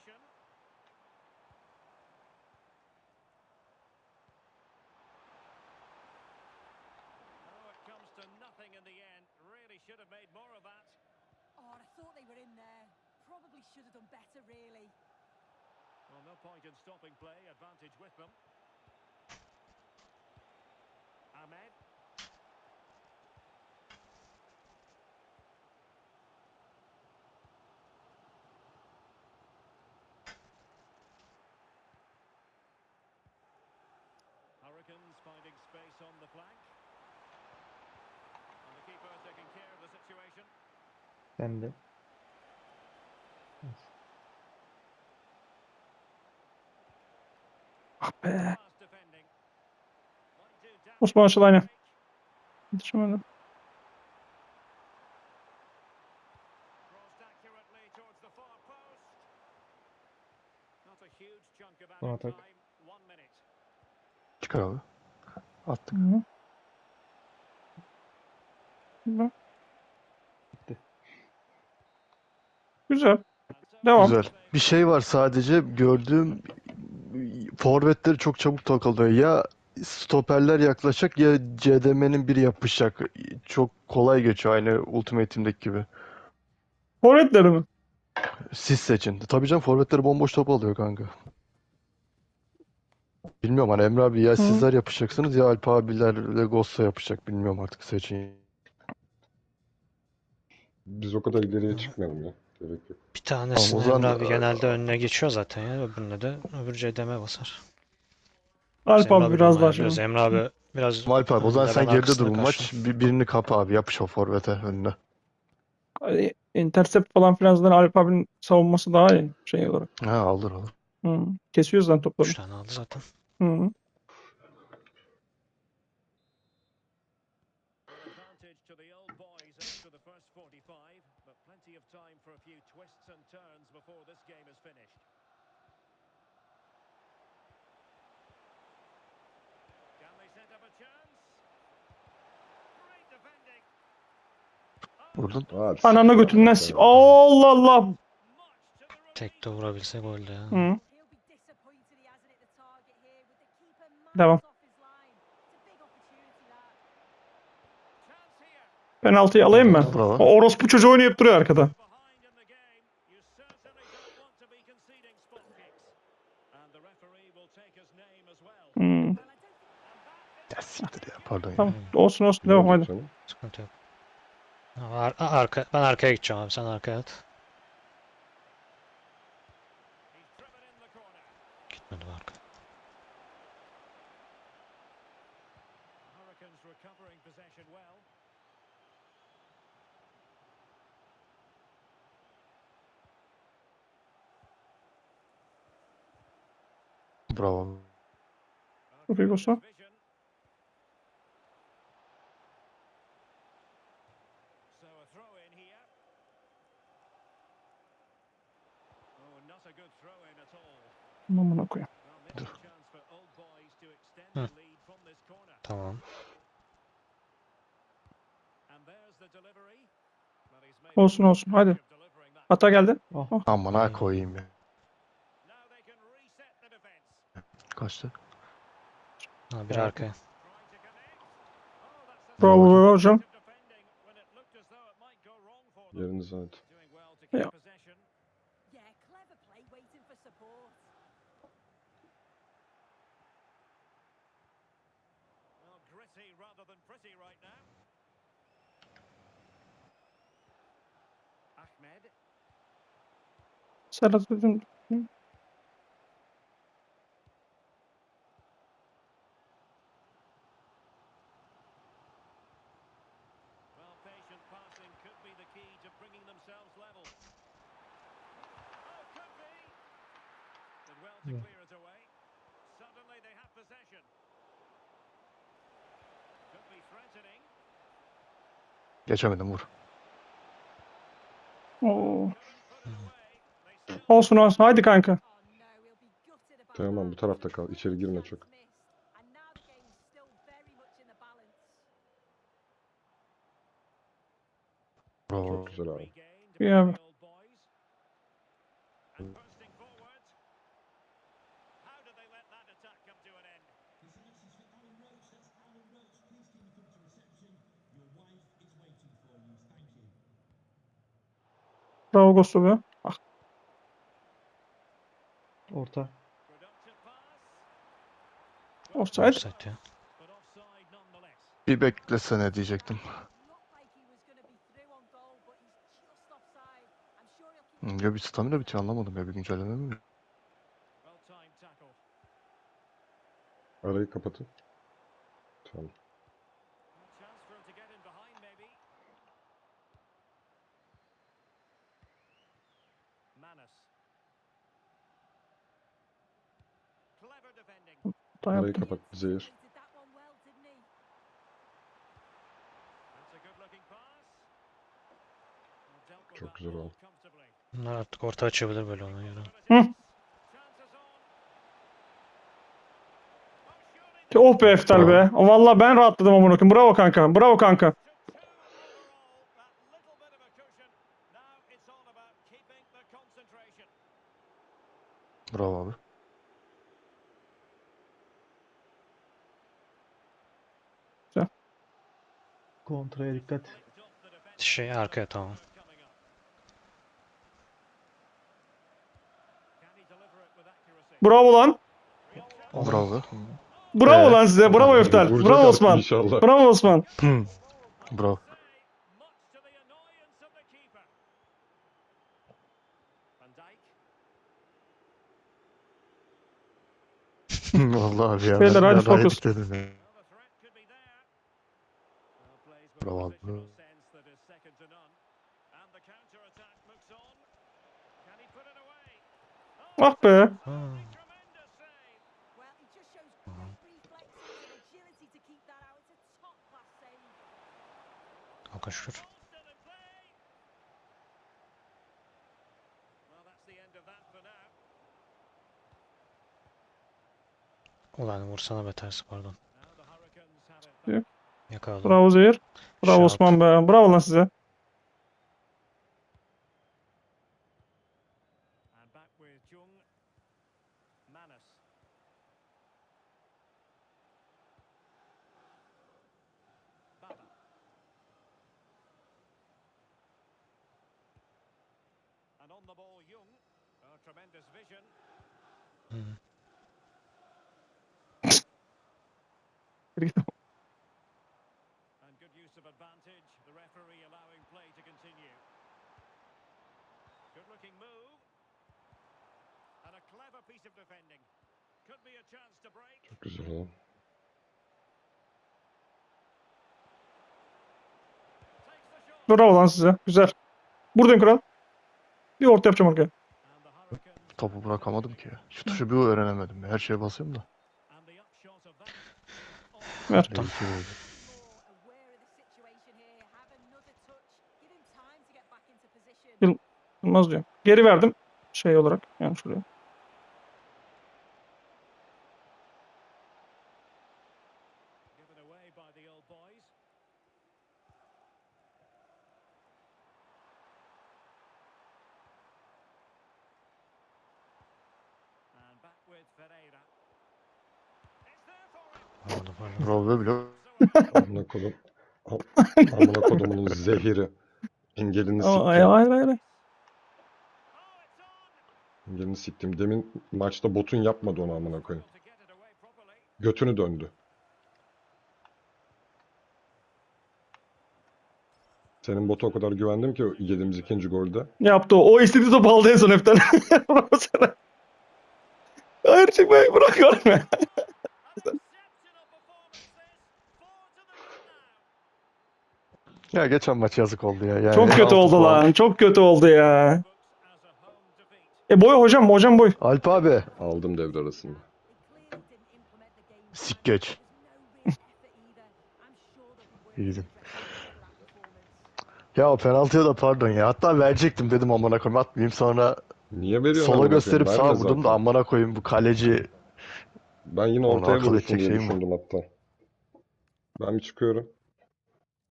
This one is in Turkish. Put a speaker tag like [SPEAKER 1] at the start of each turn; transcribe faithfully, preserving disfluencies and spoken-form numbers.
[SPEAKER 1] Oh, I thought they were in there. Probably should have done better, really.
[SPEAKER 2] Well, no point in stopping play. Advantage with them. Ahmed. Hurricanes finding space on the flank. And the keeper taking care of the situation.
[SPEAKER 3] Sen de.
[SPEAKER 4] Ah be.
[SPEAKER 2] Class defending. Might do damage
[SPEAKER 4] Osman
[SPEAKER 2] to
[SPEAKER 4] Aşılay'la.
[SPEAKER 2] break.
[SPEAKER 4] Yetişemedim.
[SPEAKER 2] Crossed accurately towards the far post. Not a huge chunk of
[SPEAKER 3] Son
[SPEAKER 2] added
[SPEAKER 3] atak.
[SPEAKER 2] time. One minute.
[SPEAKER 5] Çıkar abi. Attık.
[SPEAKER 4] Hı. Güzel.
[SPEAKER 3] Bitti.
[SPEAKER 4] Güzel.
[SPEAKER 2] And so
[SPEAKER 4] Devam.
[SPEAKER 5] Güzel. Bir şey var sadece gördüğüm forvetleri çok çabuk takılıyor. Ya stoperler yaklaşacak ya C D M'nin biri yapışacak. Çok kolay geçiyor aynı Ultimate Team'deki gibi.
[SPEAKER 4] Forvetleri mi?
[SPEAKER 5] Siz seçin. Tabii canım forvetleri bomboş top alıyor kanka. Bilmiyorum hani Emre abi ya
[SPEAKER 4] Hı.
[SPEAKER 5] sizler yapışacaksınız ya Alp abilerle Gosso yapışacak. Bilmiyorum artık seçin.
[SPEAKER 6] Biz o kadar ileriye çıkmayalım ya. Gerek yok.
[SPEAKER 7] Bir tanesini
[SPEAKER 5] Tamam, o zaman
[SPEAKER 7] Emre abi genelde önüne geçiyor zaten ya. Öbürüne de öbür C D M basar. Biz
[SPEAKER 4] Alp
[SPEAKER 7] Emre
[SPEAKER 4] abi
[SPEAKER 7] abi
[SPEAKER 4] biraz daha
[SPEAKER 7] ayarlıyoruz.
[SPEAKER 4] şey.
[SPEAKER 7] Emre abi biraz
[SPEAKER 5] Alp abi o zaman
[SPEAKER 7] önde,
[SPEAKER 5] sen
[SPEAKER 7] ben
[SPEAKER 5] geride dur
[SPEAKER 7] arkasında
[SPEAKER 5] bu maç.
[SPEAKER 7] karşıyım.
[SPEAKER 5] Bir, birini kapa abi yapış o forvete önüne.
[SPEAKER 4] Ay, Intercept falan filan zaten Alp abinin savunması daha iyi şey olarak.
[SPEAKER 5] Ha alır alır.
[SPEAKER 4] Hı. Kesiyor zaten topları.
[SPEAKER 7] Üç tane aldı zaten.
[SPEAKER 4] Hı.
[SPEAKER 2] Well, advantage to the old boys after the first forty-five, but plenty of time for a few twists and turns before this game is finished. Can they set up a chance? Great defending.
[SPEAKER 5] Vurdun.
[SPEAKER 6] Hadi
[SPEAKER 4] Ananı
[SPEAKER 6] siktir
[SPEAKER 4] götünden
[SPEAKER 6] artık
[SPEAKER 4] s-
[SPEAKER 6] ya.
[SPEAKER 4] Allah Allah.
[SPEAKER 2] Much to the
[SPEAKER 7] Tek de
[SPEAKER 2] relief.
[SPEAKER 7] vurabilse goldü ya.
[SPEAKER 4] Hı.
[SPEAKER 1] He'll be disappointed he hasn't hit the target here with the keeper miles
[SPEAKER 4] Devam.
[SPEAKER 1] off his line. It's a big opportunity that.
[SPEAKER 2] Chance here.
[SPEAKER 4] Penaltıyı alayım mı?
[SPEAKER 7] Aldım.
[SPEAKER 5] Bravo.
[SPEAKER 4] O orospu çocuğu oynayıp duruyor arkada.
[SPEAKER 2] Behind in the game, you certainly don't want to be conceding spot kicks. And the referee will take his name as well.
[SPEAKER 4] Hı.
[SPEAKER 1] Well, I don't think
[SPEAKER 5] Ya siktir ya pardon ya.
[SPEAKER 4] Tamam. Olsun olsun.
[SPEAKER 6] Ne
[SPEAKER 4] Devam
[SPEAKER 6] olacak
[SPEAKER 4] hadi.
[SPEAKER 6] canım?
[SPEAKER 7] Sıkıntı yok. Ar arka, ben arkaya gideceğim abi. Sen arkaya at.
[SPEAKER 2] He's driven in the corner.
[SPEAKER 7] Gitmedim arka.
[SPEAKER 2] Hurricanes recovering possession well.
[SPEAKER 5] Bravo.
[SPEAKER 4] Çok iyi Gosso.
[SPEAKER 2] Vision. So a throw in here. Oh, not a good throw in at all.
[SPEAKER 4] Amına koyayım.
[SPEAKER 2] Well, maybe a chance for old boys to extend
[SPEAKER 7] Hı.
[SPEAKER 2] the lead from this corner.
[SPEAKER 7] Tamam.
[SPEAKER 2] And there's the delivery. Well, he's made
[SPEAKER 4] Olsun
[SPEAKER 2] a
[SPEAKER 4] olsun. Hadi.
[SPEAKER 2] of delivering that.
[SPEAKER 4] Hata geldi.
[SPEAKER 3] Oh.
[SPEAKER 4] Oh.
[SPEAKER 5] Amına koyayım ya.
[SPEAKER 2] Now they can reset the defense.
[SPEAKER 5] Kaçtı?
[SPEAKER 7] Ha, biri
[SPEAKER 3] Geldi.
[SPEAKER 7] arkaya.
[SPEAKER 2] Trying to connect. Oh, that's the
[SPEAKER 4] Bravo hocam.
[SPEAKER 2] defending when it looked as though it might go wrong for them.
[SPEAKER 6] Yerinize hadi.
[SPEAKER 2] Doing well to keep
[SPEAKER 4] Yeah.
[SPEAKER 2] possession.
[SPEAKER 1] Yeah, clever play waiting for support.
[SPEAKER 2] Well, gritty rather than pretty right now. Ahmed.
[SPEAKER 4] Serhat dedim.
[SPEAKER 2] Well, patient passing could be the key to bringing themselves level. Oh, could be. Did well to
[SPEAKER 3] Yeah.
[SPEAKER 2] clear it away. Suddenly they have possession. Could be threatening.
[SPEAKER 5] Geçemedim vur.
[SPEAKER 4] Oo.
[SPEAKER 2] Couldn't put it away. They still
[SPEAKER 4] Olsun olsun. Haydi kanka.
[SPEAKER 1] Oh no, he'll be gutted about
[SPEAKER 6] Tamam
[SPEAKER 1] that.
[SPEAKER 6] bu tarafta kal. İçeri girme çok.
[SPEAKER 1] Missed. And now the game's still very much in the balance.
[SPEAKER 5] Bravo.
[SPEAKER 6] Çok güzel abi.
[SPEAKER 2] regained
[SPEAKER 4] Yeah.
[SPEAKER 2] by the old boys. And bursting forward.
[SPEAKER 4] Bravo Gosu be. Ah,
[SPEAKER 3] Orta.
[SPEAKER 2] Productive pass.
[SPEAKER 4] offside.
[SPEAKER 7] Offside ya.
[SPEAKER 2] But offside nonetheless.
[SPEAKER 5] Bir beklesene diyecektim.
[SPEAKER 1] Looked like he was going to be through on goal, but he's just offside. I'm sure he'll keep
[SPEAKER 5] Hmm, Ya bir stamina bitiyor anlamadım ya bir güncelleme mi?
[SPEAKER 2] Well timed tackle.
[SPEAKER 6] Arayı kapatın. Tamam.
[SPEAKER 2] A chance for him to get in behind maybe. Manus. Clever defending.
[SPEAKER 4] Hata
[SPEAKER 6] Arayı
[SPEAKER 4] yaptım.
[SPEAKER 6] kapat. Zehir.
[SPEAKER 1] anticipated that one well, didn't he?
[SPEAKER 2] That's a good looking pass. Well, dealt with
[SPEAKER 6] Çok
[SPEAKER 2] that
[SPEAKER 6] güzel
[SPEAKER 2] ball
[SPEAKER 6] oldu.
[SPEAKER 2] comfortably.
[SPEAKER 7] Bunlar artık orta açabilir böyle ona göre.
[SPEAKER 4] Hı.
[SPEAKER 2] Chances on. Oh, surely
[SPEAKER 4] Oh be Eftel be. O Vallahi ben rahatladım amına koyayım. Bravo kanka. Bravo kanka.
[SPEAKER 2] to two overall. That little bit of a cushion. Now it's all about keeping the concentration.
[SPEAKER 5] Bravo abi.
[SPEAKER 3] Kontraya dikkat.
[SPEAKER 2] Flicked off the defender.
[SPEAKER 7] Şey arkaya tamam.
[SPEAKER 2] Coming up. Can he deliver it with accuracy?
[SPEAKER 4] Bravo lan.
[SPEAKER 2] Real chance.
[SPEAKER 5] Bravo.
[SPEAKER 4] Bravo
[SPEAKER 5] Ee,
[SPEAKER 4] lan size. Bravo Eftel.
[SPEAKER 6] Vuracak
[SPEAKER 4] Bravo
[SPEAKER 6] artık
[SPEAKER 4] Osman.
[SPEAKER 6] inşallah.
[SPEAKER 4] Bravo Osman.
[SPEAKER 5] Hmm, Bravo.
[SPEAKER 2] Say, much to the annoyance of the keeper. Van Dijk.
[SPEAKER 5] Vallahi abi ya.
[SPEAKER 4] Beyler,
[SPEAKER 5] ben
[SPEAKER 4] hadi
[SPEAKER 5] bir daha
[SPEAKER 4] focus.
[SPEAKER 5] yedik dedim ya.
[SPEAKER 2] Well, the threat could be there. Well, plays with
[SPEAKER 5] Bravo
[SPEAKER 2] a
[SPEAKER 5] abi.
[SPEAKER 2] positional sense that is second to none. And the counter attack looks on. Can he put it away?
[SPEAKER 4] Ah be.
[SPEAKER 2] Tremendous save.
[SPEAKER 1] Well, he just shows great reflexes and agility to keep that out. It's a top-class save.
[SPEAKER 7] Kanka şur.
[SPEAKER 2] Still in play. Well, that's the end of that for now.
[SPEAKER 7] Ulan vursana be tersi pardon.
[SPEAKER 2] Now the Hurricanes have it back.
[SPEAKER 7] Yakaladım.
[SPEAKER 4] Bravo Zehir. Bravo
[SPEAKER 7] Shout.
[SPEAKER 4] Osman be. Bravo lan size.
[SPEAKER 2] And back with Jung. Manus. Baba. And on the ball, Jung. Oh, tremendous vision.
[SPEAKER 7] Hı.
[SPEAKER 2] And good use of advantage. The referee allowing play to continue. Good looking move. And a clever piece of defending. Could be a chance to break.
[SPEAKER 6] Çok güzel oldu.
[SPEAKER 2] Takes the shot.
[SPEAKER 4] Bravo lan size. Güzel. Buradayım kral. Bir orta yapacağım arkaya.
[SPEAKER 2] And the Hurricanes.
[SPEAKER 5] Topu bırakamadım ki. Şu tuşu bir öğrenemedim. Her şeye basıyorum da.
[SPEAKER 2] And the upshot of that.
[SPEAKER 4] Ver.
[SPEAKER 5] Belki öyle.
[SPEAKER 1] More aware of the situation here. Have another touch. Give him time to get back into position.
[SPEAKER 4] Olmaz diyor. Geri verdim. Şey olarak. Yani şuraya.
[SPEAKER 2] Given away by the old boys. And back with Ferreira. It's there for him.
[SPEAKER 7] Pardon pardon.
[SPEAKER 5] Bravo bile.
[SPEAKER 6] Amına kodum. Amına kodumunun zehiri. Engelini
[SPEAKER 4] Aa, hayır
[SPEAKER 6] siktim.
[SPEAKER 4] hayır hayır.
[SPEAKER 2] Oh, it's on.
[SPEAKER 6] Engelini siktim. Demin maçta botun yapmadı onu amına koyayım.
[SPEAKER 2] To get it away properly.
[SPEAKER 6] Götünü döndü. Senin bota o kadar güvendim ki yediğimiz ikinci golde.
[SPEAKER 4] Yaptı o. O istediği topu aldı en son Eftel. Bravo sana. Hayır çıkmayı bırak görme.
[SPEAKER 2] An exceptional performance this. Four to the good now.
[SPEAKER 5] Ya geçen maç yazık oldu ya. Yani
[SPEAKER 4] Çok kötü
[SPEAKER 5] altı
[SPEAKER 4] oldu
[SPEAKER 5] puan.
[SPEAKER 4] lan. Çok kötü oldu ya.
[SPEAKER 2] Books as a home defeat.
[SPEAKER 4] E boy hocam. Hocam boy.
[SPEAKER 5] Alp abi.
[SPEAKER 6] Aldım devre arasında.
[SPEAKER 1] They clearly didn't implement the game.
[SPEAKER 5] Sik geç.
[SPEAKER 1] There's no real effort either. I'm sure they'll be
[SPEAKER 5] İyiydim.
[SPEAKER 1] working to that performance.
[SPEAKER 5] Ya o penaltıya da pardon ya. Hatta verecektim dedim amına koyayım atmayayım. Sonra
[SPEAKER 6] Niye veriyorsun
[SPEAKER 5] sola
[SPEAKER 6] amına
[SPEAKER 5] gösterip
[SPEAKER 6] koyayım?
[SPEAKER 5] sağa
[SPEAKER 6] Verme
[SPEAKER 5] vurdum da
[SPEAKER 6] zaten.
[SPEAKER 5] amına koyayım bu kaleci.
[SPEAKER 6] Ben yine
[SPEAKER 5] Onu
[SPEAKER 6] ortaya
[SPEAKER 5] akıl
[SPEAKER 6] vurursun
[SPEAKER 5] edecek
[SPEAKER 6] diye
[SPEAKER 5] şeyim var.
[SPEAKER 6] düşündüm hatta. Ben bir çıkıyorum.